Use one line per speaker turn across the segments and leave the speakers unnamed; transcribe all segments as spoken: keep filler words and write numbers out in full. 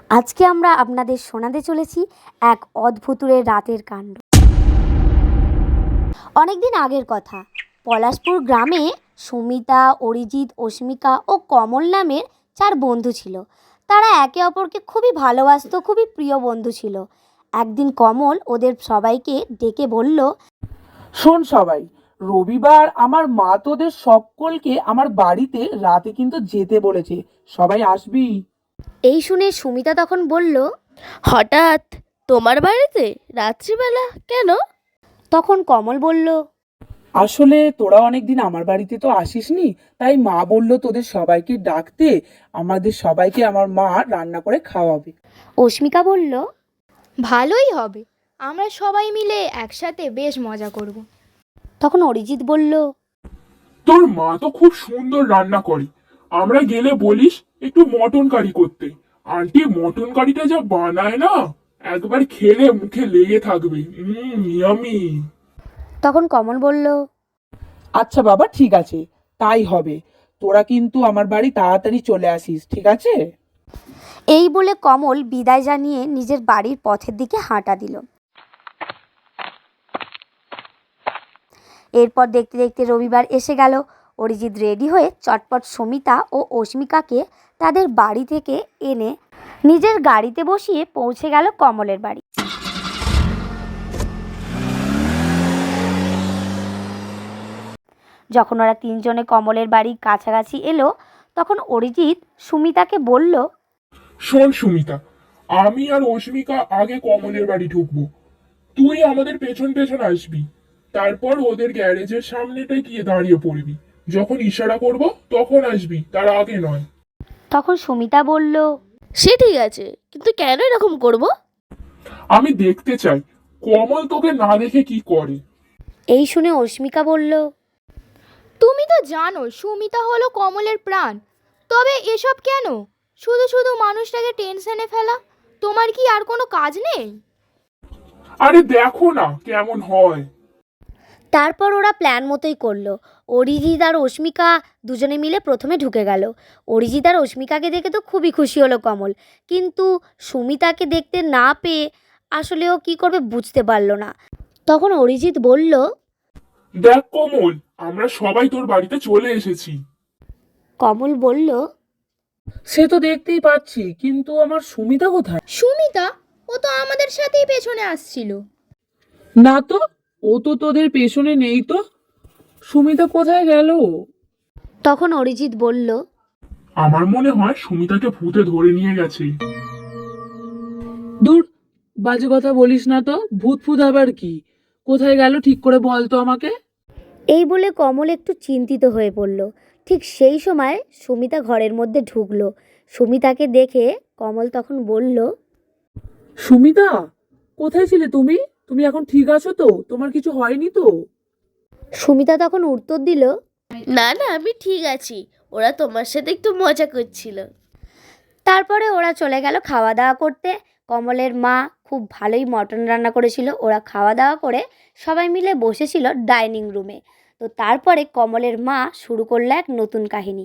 আজকে আমরা আপনাদের শোনাতে চলেছি এক অদ্ভুতুরের রাতের কাণ্ড। অনেকদিন আগের কথা, পলাশপুর গ্রামে সুমিতা, অরিজিৎ, অস্মিকা ও কমল নামের চার বন্ধু ছিল। তারা একে অপরকে খুবই ভালোবাসত, খুবই প্রিয় বন্ধু ছিল। একদিন কমল ওদের সবাইকে ডেকে বলল,
শোন সবাই, রবিবার আমার মা তোদের সকলকে আমার বাড়িতে রাতে কিন্তু যেতে বলেছে, সবাই আসবি।
এই শুনে সুমিতা তখন বলল,
হঠাৎ তোমার বাড়িতে রাত্রিবেলা কেন?
তখন কমল বলল,
আসলে তোরা অনেকদিন আমার বাড়িতে তো আসিসনি, তাই মা বলল তোদের সবাইকে ডাকতে, আমাদের সবাইকে আমার মা রান্না করে খাওয়াবে।
অস্মিকা বলল,
ভালোই হবে, আমরা সবাই মিলে একসাথে বেশ মজা করব।
তখন অরিজিৎ বলল,
তোর মা তো খুব সুন্দর রান্না করে, আমরা গেলে বলিস একটু মটন কারি করতে। আন্টি মটন কারিটা যা বানায় না, একবার খেলে মুখে লেগে থাকবে। হুম ইয়ামি।
তখন কমল বলল,
আচ্ছা বাবা, ঠিক আছে, তাই হবে। তোরা কিন্তু আমার বাড়ি তাড়াতাড়ি চলে আসিস, ঠিক আছে?
এই বলে কমল বিদায় জানিয়ে নিজের বাড়ির পথের দিকে হাঁটা দিল। এরপর দেখতে দেখতে রবিবার এসে গেল। অরিজিৎ রেডি হয়ে চটপট সুমিতা ও অস্মিকাকে তাদের বাড়ি থেকে এনে নিজের গাড়িতে বসিয়ে পৌঁছে গেল কমলের বাড়ি। যখন ওরা তিনজনে কমলের বাড়ির কাছাকাছি এলো, তখন অরিজিৎ সুমিতাকে বলল,
শোন সুমিতা, আমি আর অস্মিকা আগে কমলের বাড়ি ঢুকবো, তুই আমাদের পেছন পেছন আসবি। তারপর ওদের গ্যারেজের সামনেটায় গিয়ে দাঁড়িয়ে পড়বি, যখন ইশারা করব তখন আসবি, তার আগে নয়।
তখন সুমিতা বলল,
সে ঠিক আছে, কিন্তু কেন এরকম করব?
আমি দেখতে চাই কমল তোকে না দেখে কি করে।
এই শুনে অস্মিকা বলল,
তুমি তো জানো সুমিতা হলো কমলের প্রাণ, তবে এসব কেন? শুধু শুধু মানুষটাকে টেনশনে ফেলা। তোমার কি আর কোনো কাজ নেই?
আরে দেখো না কেমন হয়।
তারপর ওরা প্ল্যান মতোই করলো। অরিজিৎ আর অস্মিকা দুজনে মিলে প্রথমে ঢুকে গেল। অরিজিৎ আর অস্মিকাকে দেখে তো খুবই খুশি হলো কমল, কিন্তু সুমিতাকে দেখতে না পেয়ে আসলে ও কী করবে বুঝতে পারলো না। তখন অরিজিৎ বলল,
দেখ কমল, আমরা সবাই তোর বাড়িতে চলে এসেছি।
কমল বলল,
সে তো দেখতেই পাচ্ছি, কিন্তু আমার সুমিতা কোথায়?
সুমিতা? ও তো আমাদের সাথেই পেছনে আসছিল।
না তো, ও তো তোদের পেছনে নেই তো। সুমিতা কোথায় গেল?
তখন অরিজিৎ বলল,
আমার মনে হয় সুমিতাকে ভূতে ধরে নিয়ে গেছে।
দূর, বাজে কথা বলিস না তো। ভূত ফুত আবার কি? কোথায় গেল ঠিক করে বল তো আমাকে।
এই বলে কমল একটু চিন্তিত হয়ে পড়ল। ঠিক সেই সময় সুমিতা ঘরের মধ্যে ঢুকলো। সুমিতাকে দেখে কমল তখন বলল,
সুমিতা, কোথায় ছিলে তুমি? তুমি এখন ঠিক আছো তো? তোমার কিছু হয়নি তো?
সুমিতা তখন উত্তর দিল,
না না, আমি ঠিক আছি, ওরা তোমার সাথে একটু মজা করছিল।
তারপরে ওরা চলে গেল খাওয়া দাওয়া করতে। কমলের মা খুব ভালোই মটন রান্না করেছিল। ওরা খাওয়া দাওয়া করে সবাই মিলে বসেছিল ডাইনিং রুমে। তো তারপরে কমলের মা শুরু করলো এক নতুন কাহিনী।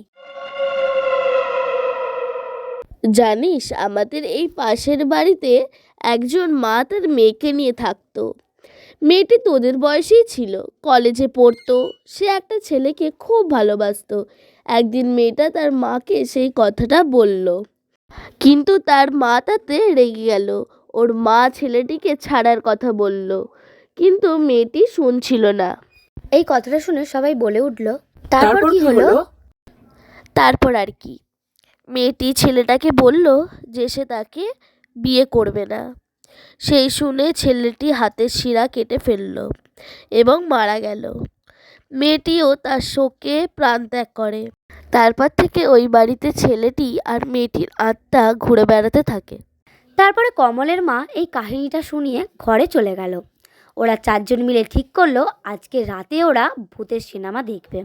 জানিস, আমাদের এই পাশের বাড়িতে একজন মা তার মেয়েকে নিয়ে থাকতো। মেয়েটি তোদের বয়সেই ছিল, কলেজে পড়তো। সে একটা ছেলেকে খুব ভালোবাসতো। একদিন মেয়েটা তার মাকে সেই কথাটা বলল, কিন্তু তার মা তাতে রেগে গেল। ওর মা ছেলেটিকে ছাড়ার কথা বলল, কিন্তু মেয়েটি শুনছিল না।
এই কথাটা শুনে সবাই বলে উঠল, তারপর কি হলো?
তারপর আর কি, মেয়েটি ছেলেটাকে বলল যে সে তাকে বিয়ে করবে না। সেই শুনে ছেলেটি হাতের শিরা কেটে ফেলল এবং মারা গেল। মেয়েটিও তার শোকে প্রাণত্যাগ করে। তারপর থেকে ওই বাড়িতে ছেলেটি আর মেয়েটির আত্মা ঘুরে বেড়াতে থাকে।
তারপরে কমলের মা এই কাহিনীটা শুনিয়ে ঘরে চলে গেল। ওরা চারজন মিলে ঠিক করলো আজকে রাতে ওরা ভূতের সিনেমা দেখবে।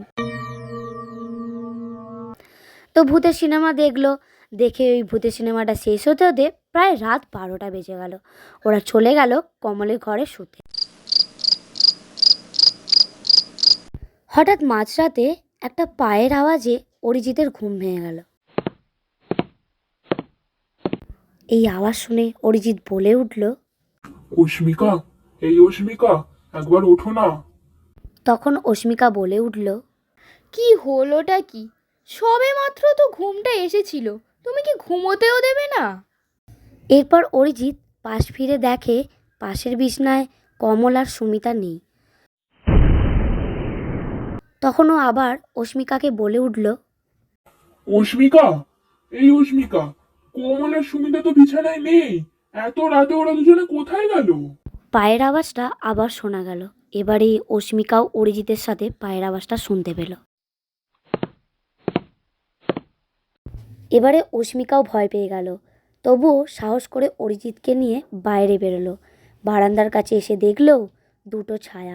তো ভূতের সিনেমা দেখলো। দেখে ওই ভূতের সিনেমাটা শেষ হতে হতে প্রায় রাত বারোটা বেজে গেল। ওরা চলে গেল কমলের ঘরে শুতে। হঠাৎ মাঝরাতে একটা পায়ের আওয়াজে অরিজিতের ঘুম ভেঙে গেল। এই আওয়াজ শুনে অরিজিৎ বলে উঠল।
অস্মিকা, এই অস্মিকা, একবার ওঠো না।
তখন অস্মিকা বলে উঠল।
কি হলোটা কি? সবে মাত্র তো ঘুমটা এসেছিল, তুমি কি ঘুমোতেও দেবে না?
এরপর অরিজিৎ পাশ ফিরে দেখে পাশের বিছনায় কমল আর সুমিতা নেই। তখন ও আবার অস্মিকাকে বলে উঠল।
অস্মিকা, এই অস্মিকা, কমল আর সুমিতা তো বিছানায় নেই। এত রাতে ওরা দুজনে কোথায় গেল?
পায়ের আওয়াজটা আবার শোনা গেল। এবারে অস্মিকাও অরিজিতের সাথে পায়ের আওয়াজটা শুনতে পেল। এবারে অস্মিকাও ভয় পেয়ে গেল, তবুও সাহস করে অরিজিৎকে নিয়ে বাইরে বেরোলো। বারান্দার কাছে এসে দেখলো দুটো ছায়া।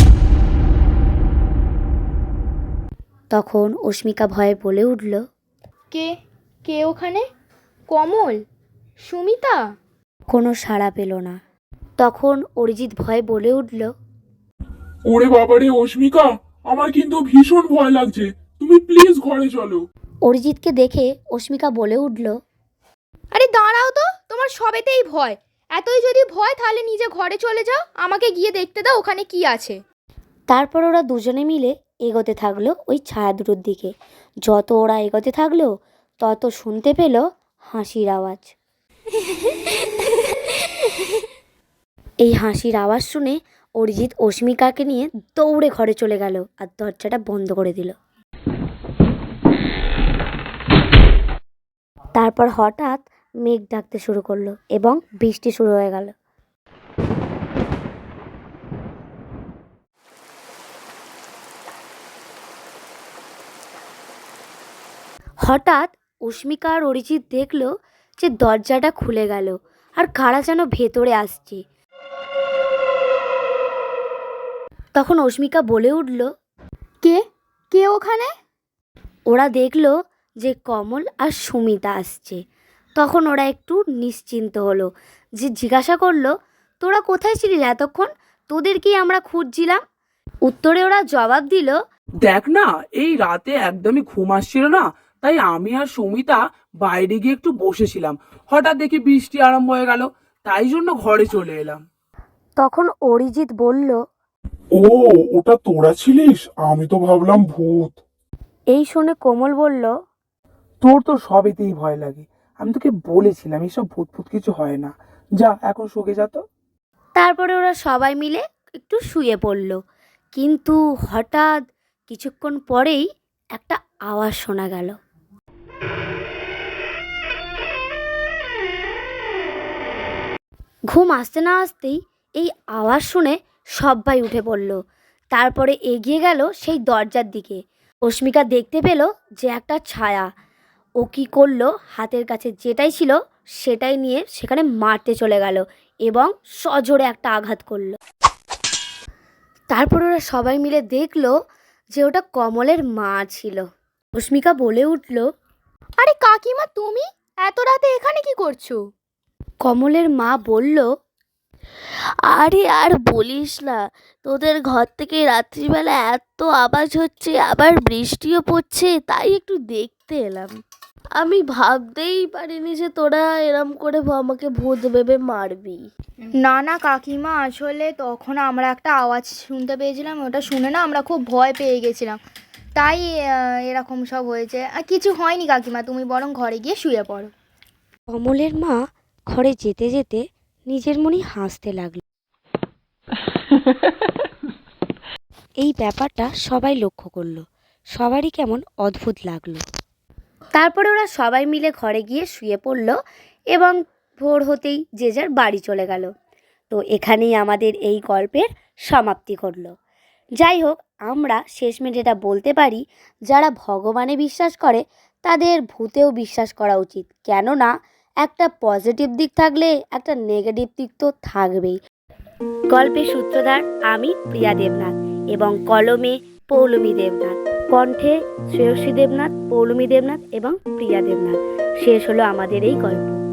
তখন অস্মিকা ভয়ে বলে উঠল।
কে কে ওখানে? কমল? সুমিতা?
কোনো সাড়া পেল না। তখন অরিজিৎ ভয়ে বলে উঠল।
ওরে বাবারে অস্মিকা, আমার কিন্তু ভীষণ ভয় লাগছে, তুমি প্লিজ ঘরে চলো।
অরিজিৎকে দেখে অস্মিকা বলে উঠল।
আরে দাঁড়াও তো, তোমার সবেতেই ভয়। এতই যদি ভয় তাহলে নিজে ঘরে চলে যাও, আমাকে গিয়ে দেখতে দাও ওখানে কি আছে।
তারপর ওরা দুজনে মিলে এগোতে থাকলো ওই ছায়া দুটোর দিকে। যত ওরা এগোতে থাকলো তত শুনতে পেল হাসির আওয়াজ। এই হাসির আওয়াজ শুনে অরিজিৎ অস্মিকাকে নিয়ে দৌড়ে ঘরে চলে গেল আর দরজাটা বন্ধ করে দিল। তারপর হঠাৎ মেঘ ডাকতে শুরু করলো এবং বৃষ্টি শুরু হয়ে গেল। হঠাৎ অস্মিকা আর অরিজিৎ দেখলো যে দরজাটা খুলে গেল আর কারা যেন ভেতরে আসছে। তখন অস্মিকা বলে উঠল।
কে কে ওখানে?
ওরা দেখলো যে কমল আর সুমিতা আসছে। তখন ওরা একটু নিশ্চিন্ত হলো, যে জিজ্ঞাসা করলো, তোরা কোথায় ছিলিস এতক্ষণ? তোদেরকেই আমরা খুঁজছিলাম। উত্তরে ওরা জবাব দিল।
দেখ না, এই রাতে একদমই ঘুম আসছিল না, তাই আমি আর সুমিতা বাইরে গিয়ে একটু বসেছিলাম। হঠাৎ দেখি বৃষ্টি আরম্ভ হয়ে গেল, তাই জন্য ঘরে চলে এলাম।
তখন অরিজিৎ বলল।
ও, ওটা তোরা ছিলিস? আমি তো ভাবলাম ভূত।
এই শুনে কোমল বলল।
তোর তো সবেতেই ভয় লাগে, আমি তোকে বলেছিলাম এসব ভূত ভূত কিছু হয় না। যা এখন শুকে যা তো।
তারপরে ওরা সবাই মিলে একটু শুয়ে পড়ল। কিন্তু হঠাৎ কিছুক্ষণ পরেই একটা আওয়াজ শোনা গেল। ঘুম আসতে না আসতেই এই আওয়াজ শুনে সবাই উঠে পড়ল। তারপরে এগিয়ে গেল সেই দরজার দিকে। অস্মিকা দেখতে পেল যে একটা ছায়া। ও কী করলো, হাতের কাছে যেটাই ছিল সেটাই নিয়ে সেখানে মারতে চলে গেল এবং সজোরে একটা আঘাত করলো। তারপর ওরা সবাই মিলে দেখলো যে ওটা কমলের মা ছিল। অস্মিকা বলে উঠল।
আরে কাকিমা, তুমি এত রাতে এখানে কি করছো?
কমলের মা বলল।
আরে আর বলিস না, তোদের ঘর থেকে রাত্রিবেলা এত আওয়াজ হচ্ছে, আবার বৃষ্টিও পড়ছে, তাই একটু দেখতে এলাম। আমি ভাবতেই পারিনি যে তোরা এরম করে আমাকে ভূত ভেবে মারবি।
না না কাকিমা, আসলে তখন আমরা একটা আওয়াজ শুনতে পেয়েছিলাম, ওটা শুনে না আমরা খুব ভয় পেয়ে গেছিলাম, তাই আহ, এরকম সব হয়েছে। আর কিছু হয়নি কাকিমা, তুমি বরং ঘরে গিয়ে শুয়ে পড়ো।
কমলের মা ঘরে যেতে যেতে নিজের মনেই হাসতে লাগলো। এই ব্যাপারটা সবাই লক্ষ্য করলো, সবারই কেমন অদ্ভুত লাগলো। তারপরে ওরা সবাই মিলে ঘরে গিয়ে শুয়ে পড়ল এবং ভোর হতেই যে যার বাড়ি চলে গেল। তো এখানেই আমাদের এই গল্পের সমাপ্তি ঘটল। যাই হোক, আমরা শেষমেশ এটা বলতে পারি, যারা ভগবানে বিশ্বাস করে তাদের ভূতেও বিশ্বাস করা উচিত। কেননা একটা পজিটিভ দিক থাকলে একটা নেগেটিভ দিক তো থাকবেই। গল্পের সূত্রধার আমি, প্রিয়া দেবনাথ, এবং কলমে পৌলমী দেবনাথ, কণ্ঠে শ্রেয়সী দেবনাথ, পৌলমী দেবনাথ এবং প্রিয়া দেবনাথ। শেষ হলো আমাদের এই গল্প।